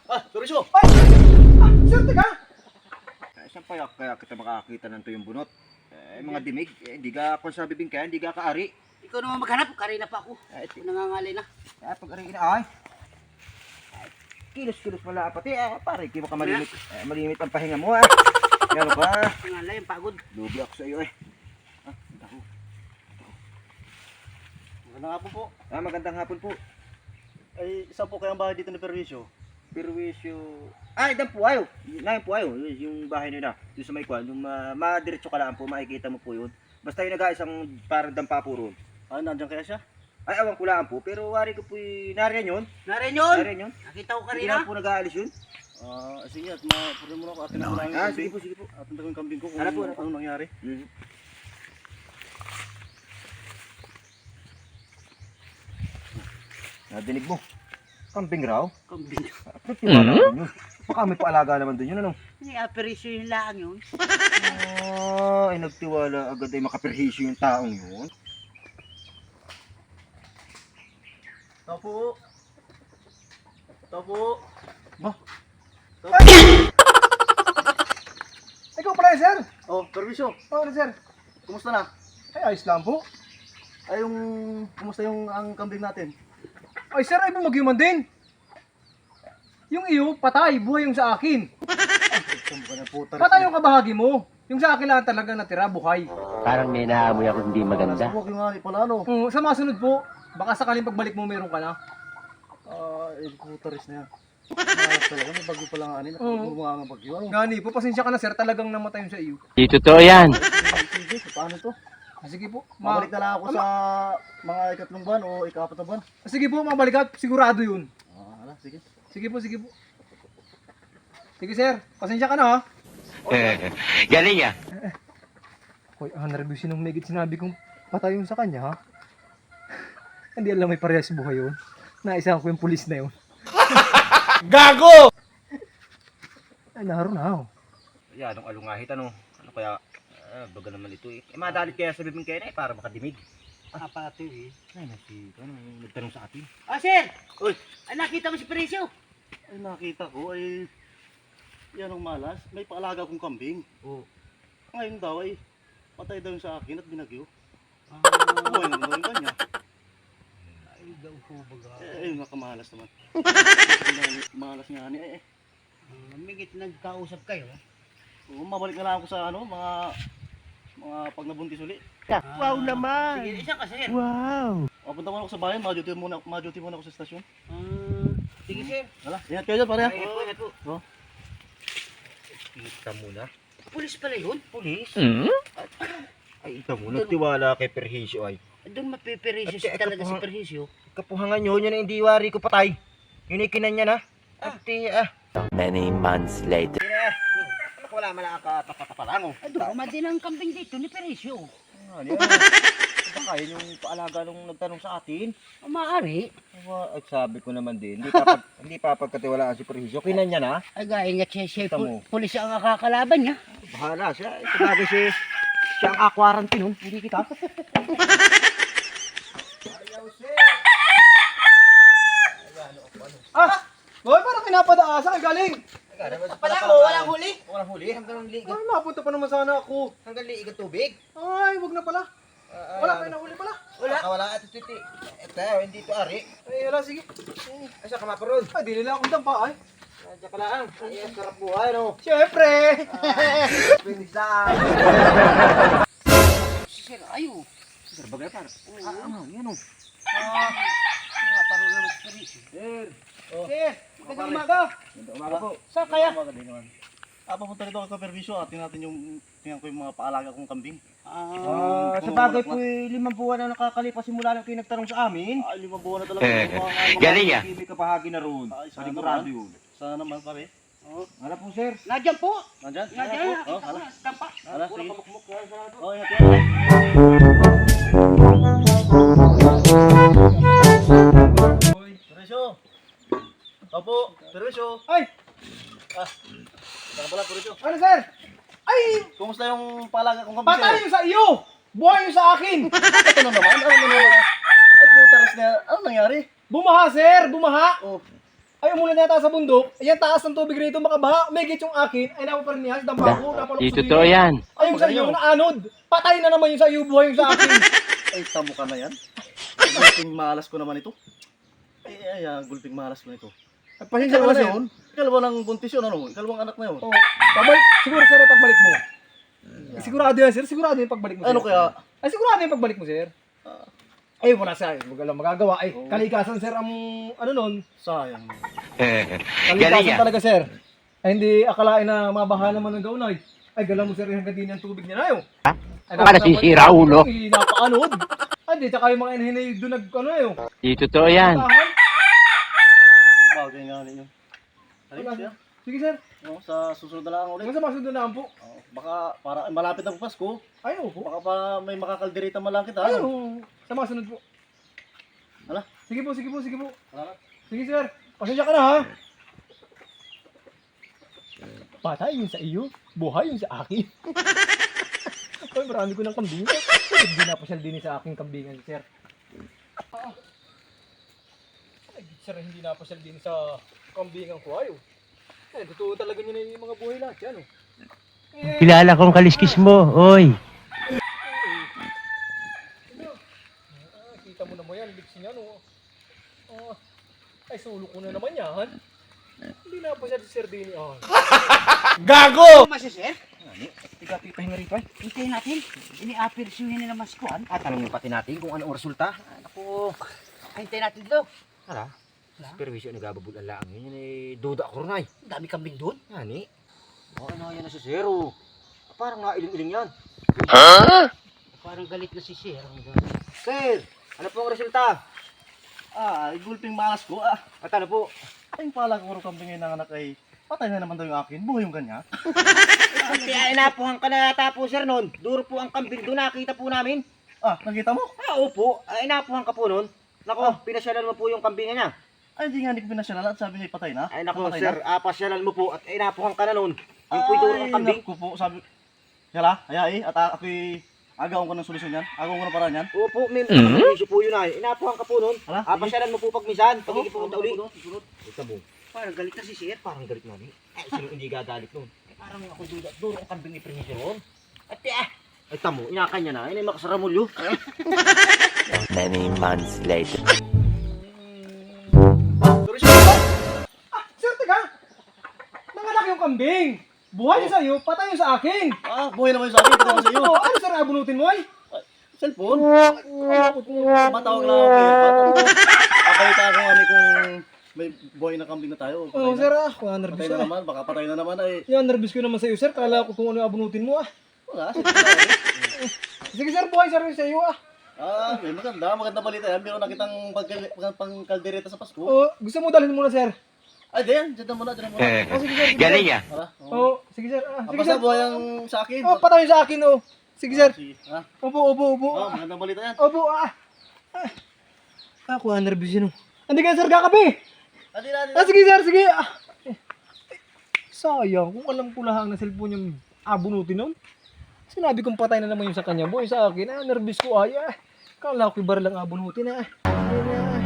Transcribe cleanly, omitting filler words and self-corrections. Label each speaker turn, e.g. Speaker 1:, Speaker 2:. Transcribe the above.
Speaker 1: Turisyo!
Speaker 2: Ay! Sir, teka!
Speaker 3: Saan kaya kita makakita ng tuyong bunot? Mga dimig, hindi ka kung sa bibing kaya, hindi ka kaari.
Speaker 1: Ikaw naman maghanap, karina pa ako. Ito nangangalay na.
Speaker 3: Pag-ari na, ay. Kilos-kilos pala, pati, pare, hindi mo ka malimit. Malimit ang pahinga mo, Yan ba?
Speaker 1: Nangangalay, ang pagod.
Speaker 3: Lubi ako sa iyo, Ako.
Speaker 2: Magandang hapon po.
Speaker 3: Magandang hapon po.
Speaker 2: Ay, isa po kayang bahay dito ni Perwisyo.
Speaker 3: Perwisyo. Idan po ayo. Nayan po ayo. Yung bahay nila. Yung sa may kwan. Yung madiretso ka lang po. Makikita mo po yun. Basta yung nag-aisang parang dampa po ron.
Speaker 2: Nandiyan kaya siya?
Speaker 3: Ay, awan ko lang po. Pero wari ko po nariyan yun.
Speaker 1: Narin yun!
Speaker 3: Nariyan yun.
Speaker 1: Nakita ko
Speaker 3: Hindi
Speaker 1: karina.
Speaker 3: na po nag-aalis yun.
Speaker 2: Sige, at mapuri mo na ako. Atin ako lang yung
Speaker 3: Sige
Speaker 2: kambing.
Speaker 3: po, sige po.
Speaker 2: Atin ko yung kambing ko kung
Speaker 3: Ano po?
Speaker 2: anong nangyari.
Speaker 3: Nadinig mo. Kambing raw.
Speaker 1: Kambing.
Speaker 3: Tiwala ko yun. Baka may paalaga naman dun yun, ano?
Speaker 1: May aperisyo yung laang yun.
Speaker 3: Ay, nagtiwala agad ay makaperhisyo yung taong yun.
Speaker 2: Tao po. Tao po.
Speaker 3: Ba?
Speaker 2: Ikaw pala yun, sir? Perwisyo. Sir. Kumusta na?
Speaker 4: Ay, ayos lang po.
Speaker 2: Kumusta yung ang kambing natin?
Speaker 4: Ay, sir, ay bumagyuman din. Yung iyo, patay. Buhay yung sa akin. Patay yung kabahagi mo. Yung sa akin lang talaga natira, buhay.
Speaker 5: Parang may naamoy ako hindi maganda.
Speaker 2: Huwag yung nga pala, ano?
Speaker 4: Sa mga sunod po, baka sakaling pagbalik mo meron ka na.
Speaker 2: Putaris na yan. Talaga, may bagyo pala nga anin. Mga nga bagyo. Ano?
Speaker 4: Gani po, pasensya ka na, sir. Talagang namatay yung sa iyo.
Speaker 5: Di totoo yan.
Speaker 2: Sige, paano to?
Speaker 4: Sige po.
Speaker 2: Mabalik na lang ako sa mga ikatlong buwan o ikapat na buwan.
Speaker 4: Sige po, mabalik ka. Sigurado yun.
Speaker 2: Sige.
Speaker 4: Sige po, sige po. Sige, sir. Pasensya ka na, ha?
Speaker 5: Galing ah.
Speaker 4: Hoy, nervous yun nung megit sinabi kong patay yung sa kanya, ha? Hindi alam may parehas buhay yun. Naisahan ko yung pulis na yun.
Speaker 3: Gago!
Speaker 4: Ay, naroon na,
Speaker 3: Yan, anong alungahit, ano? Ano kaya? Baga naman ito eh. Madalit kaya sa bibing kaya para makadimig.
Speaker 1: Pato eh.
Speaker 3: Ay, nagtanong sa atin.
Speaker 1: Sir!
Speaker 2: Uy!
Speaker 1: Ay, nakita mo si Perisyo.
Speaker 2: Ay, nakita ko ay yan ang malas. May paalaga akong kambing. Ngayon daw ay patay daw yung sa akin at binagyo. Buhay naman daw yung kanya.
Speaker 1: Ay, daw ko baga.
Speaker 2: Nakamalas naman. Malas nga ni
Speaker 1: Migit nagkausap kayo.
Speaker 2: Mabalik na lang ako sa mga pag nabuntis uli.
Speaker 5: Wow naman.
Speaker 1: Sige, isa ka, sir.
Speaker 5: Wow.
Speaker 2: Punta muna ako sa bayan, ma-duty muna ako sa estasyon.
Speaker 1: Sige, sir.
Speaker 2: Wala, ingat kayo dyan, pare.
Speaker 1: Ingat po.
Speaker 3: Kita mo na.
Speaker 1: Pulis pala yun.
Speaker 3: Pulis? Ay, ikaw mo, nagtiwala kay Perhisyo ay.
Speaker 1: Doon mapiperisyo
Speaker 3: At-
Speaker 1: talaga
Speaker 3: at-
Speaker 1: si Perhisyo.
Speaker 3: Kapuhangan nyo, yun ang hindi wari ko patay. Yun ay kinan niya na.
Speaker 5: Many months later.
Speaker 3: Wala malakatapatapalang.
Speaker 1: Dumad din ang kambing dito ni Perisyo.
Speaker 3: Baka yun yung paalaga nung nagtanong sa atin.
Speaker 1: Maaari.
Speaker 3: Ay, sabi ko naman din, hindi pa pagkatiwalaan si Perhisyo. Kinan niya na.
Speaker 1: Ay, gaya nga siya,
Speaker 3: Tamo.
Speaker 1: pulis ang nakakalaban niya.
Speaker 3: Bahala siya. Ito bagay siya ang aquarantin nun. Hindi kita.
Speaker 4: Hoy, parang pinapadaasa kay galing.
Speaker 1: Walang huli.
Speaker 3: Walang huli. Hanggang liig.
Speaker 4: Ay, mapunta pa naman sana ako.
Speaker 3: Hanggang liig ang tubig.
Speaker 4: Ay, wag na pala. Wala kayo nahuli pala.
Speaker 3: Wala. Ito, titi. Ito, hindi ito ari.
Speaker 4: Ay, wala, sige.
Speaker 3: Ay, siya kamaparon.
Speaker 4: Ay, di nila akong dampa, ay.
Speaker 3: Diyan ka lang. Ay, sarap buhay, no?
Speaker 4: Siyempre.
Speaker 3: Pinisan.
Speaker 1: Sir, ayo.
Speaker 3: Sir, bagay par. Yan o.
Speaker 1: Paro na si Perisyo.
Speaker 3: Sir.
Speaker 4: Sir, magandang umaga.
Speaker 3: Umaga po.
Speaker 1: Saan kaya?
Speaker 2: Umaga din naman. Papunta rito ako sa perwisyo. Tingnan ko yung mga paalaga kong kambing.
Speaker 3: Sa bagay po, 5 buwan na nakakalipas simula nang kayo nagtanong sa amin.
Speaker 2: Ay, 5 buwan na talaga. Mga
Speaker 5: Galing ah.
Speaker 3: May kapahagi na roon.
Speaker 2: Ay, sana
Speaker 3: Panigurado
Speaker 2: naman.
Speaker 3: yun.
Speaker 2: Sana naman, pare.
Speaker 3: Wala po, sir.
Speaker 1: Nandiyan po.
Speaker 2: Nandyan?
Speaker 1: Nandiyan.
Speaker 2: Hala.
Speaker 1: Dampa.
Speaker 2: Hala, sige.
Speaker 3: Kamukmuk yan sa ato.
Speaker 2: Ingat yan. Perwisyo. Opo, perwisyo.
Speaker 4: Ay,
Speaker 2: Saka pala, perwisyo.
Speaker 4: ano, sir? Ay,
Speaker 2: Kumusta yung paalaga kong kambing?
Speaker 4: patay yung sa iyo. Buhay yung sa akin.
Speaker 2: Ito na naman. Ano na naman? Ay, putaris na. Ano nangyari?
Speaker 4: Bumaha, sir. Bumaha.
Speaker 2: Oh.
Speaker 4: Ay, umulan yata sa bundok. Ayan, taas ng tubig rito, makabaha. May git yung akin. Ay, napaparnihas, dambako, napalok
Speaker 5: Di
Speaker 4: sa
Speaker 5: totoo
Speaker 4: gilid.
Speaker 5: yan.
Speaker 4: Ay, yung sa iyo, naanod. Patay na naman yung sa iyo, buhay yung sa akin.
Speaker 2: Ay, tamo ka na yan. Gulping malas ko naman ito. Ay, gulping malas ko na ito.
Speaker 4: Ay, pasensya ka na, sir.
Speaker 2: Ikalawang ng buntis yun, ano? Ikalawang anak na yun.
Speaker 4: Oh, pabalik. Siguro, sir, ay pagbalik mo. Sigurado yan, sir. Sigurado yung pagbalik mo, sir.
Speaker 2: Ano kaya?
Speaker 4: Ay, sigurado yung pagbalik mo, sir. Ay, wala siya. Wala magagawa. Ay, kalikasan, sir, ang ano nun.
Speaker 2: Sayang.
Speaker 5: Galing
Speaker 4: Kalikasan
Speaker 5: yan.
Speaker 4: talaga, sir. Ay, hindi akalain na mabaha naman ng gaunay. Ay, gala mo, sir, hanggang din yung tubig niya na yun. Ay,
Speaker 5: Para sisira, ulo.
Speaker 4: Ay, napaanod. Ay, di, tsaka yung mga inahinay doon nag, ano yun.
Speaker 5: Di totoo yan.
Speaker 4: Tahan.
Speaker 2: Bagay nga ninyo. Halika siya.
Speaker 4: Sige, sir.
Speaker 2: No, sa susunod na lang ulit.
Speaker 4: Hanggang sa masunod na po.
Speaker 2: Oh, baka para malapit na po Pasko.
Speaker 4: Ay, opo.
Speaker 2: Baka pa may makakalderita man lang kita.
Speaker 4: Ay,
Speaker 2: Ano?
Speaker 4: oo. Sa masunod po.
Speaker 2: Hala?
Speaker 4: Sige po, sige po, sige po.
Speaker 2: Hala?
Speaker 4: Sige, sir. Pasensya ka na, ha? Patay yung sa iyo, buhay yung sa akin. Ay, marami ko ng kambing. Hindi na pasyal din sa aking kambingan, sir. Ay, sir, hindi na pasyal din sa kambingan ko, ayo. Eh, totoo talaga nyo na yung mga buhay lahat yan, oh.
Speaker 5: Kilala kong kaliskis mo, oy.
Speaker 4: Kita mo naman yan, bigsin yan, oh. Ay, sulo ko na naman yan. Hindi na pasyal si Sir Dini, oh.
Speaker 1: Ano mas sir?
Speaker 3: Tiga pahinga rito ay.
Speaker 1: Hintayin natin. Ini-apirsyuhin nila mas kuhan.
Speaker 3: At tanongin pati natin kung ano ang resulta.
Speaker 1: Ako, hintayin natin dito.
Speaker 3: Hala. Perwisyo nagababul ang laang yun. Duda ako rin ay.
Speaker 1: Dami kambing doon.
Speaker 3: Yani. Ano yan na si Zero. Parang nailing-iling yan.
Speaker 1: Parang galit na si sir.
Speaker 3: Sir, ano po ang resulta?
Speaker 2: Gulping malas ko.
Speaker 3: At ano po?
Speaker 2: Ay, pala ko kambing ng anak ay patay na naman daw yung akin. Buhay yung ganyan.
Speaker 3: Kaya inapuhan ka na yata po sir nun. Duro po ang kambing doon. Nakita po namin.
Speaker 2: Nakita mo?
Speaker 3: Opo. Inapuhan ka po nun. Nako, pinasyalan mo po yung kambingan niya.
Speaker 2: Ay, hindi nga hindi ko pinasyalan at sabi niya patay na.
Speaker 3: Ay nako
Speaker 2: Patay
Speaker 3: sir, pasyalan mo po at inapuhan ka na nun. Yung po'y duro ang kambing.
Speaker 2: Naku po, sabi. Yala, at ako'y agawan ko ng solusyon yan. Agawan ko ng paraan yan.
Speaker 3: Opo, may isyo po yun ay. Inapuhan ka po nun.
Speaker 2: Hala,
Speaker 3: Pasyalan mo po pag misan. Pag ikipunta uli. Ito mo.
Speaker 1: Parang galit na si sir.
Speaker 3: Parang galit na ni. Ay, sino hindi gagalit nun?
Speaker 1: Parang ako duda. Duro ang kambing ni Prinsyo ron.
Speaker 3: At ay tamo, inakan niya na. Ay, makasaramulyo.
Speaker 5: Many months later.
Speaker 4: Sir, teka! Nanganak yung kambing! Buhay yung sa'yo, patay yung sa akin!
Speaker 2: Buhay naman yung sa akin. Patay naman sa iyo.
Speaker 4: Ano, sir, abunutin mo ay?
Speaker 2: Cellphone? Matawag lang ako kayo. Pabalita ako kung may buhay na kambing na tayo.
Speaker 4: Oo, sir, kuha nervous
Speaker 2: Patay na
Speaker 4: ah.
Speaker 2: naman, baka patay na naman ay.
Speaker 4: Yan, nervous ko naman sa'yo, sir. Kala ko kung ano yung abunutin mo ah.
Speaker 2: Wala,
Speaker 4: Sige, sir, buhay sir yung sa'yo ah.
Speaker 2: may maganda balita yan. Meron na kitang pangkaldereta sa Pasko.
Speaker 4: Oo, gusto mo dalhin muna, sir?
Speaker 2: Ay, diyan muna.
Speaker 4: Oh, sige, sir. Sige,
Speaker 5: Galing
Speaker 4: sir.
Speaker 5: yan.
Speaker 2: Tara.
Speaker 4: Oo, sige, sir. Sige,
Speaker 2: Basta
Speaker 4: sir.
Speaker 2: buhay ang sa akin.
Speaker 4: Oh, patay yung sa akin, oh. Sige, sir.
Speaker 2: Ha?
Speaker 4: Opo.
Speaker 2: Magandang balita yan.
Speaker 4: Opo, kuha nervous yun, oh. Hindi ka, sir, kakape. Sige, sir, sige. Sayang, kung alam ko lahang na cellphone yung abunutin nun. Sinabi kong patay na naman yung sa kanya, boy, sa akin. Nervous ko ay. Kala ko ibar lang abunutin,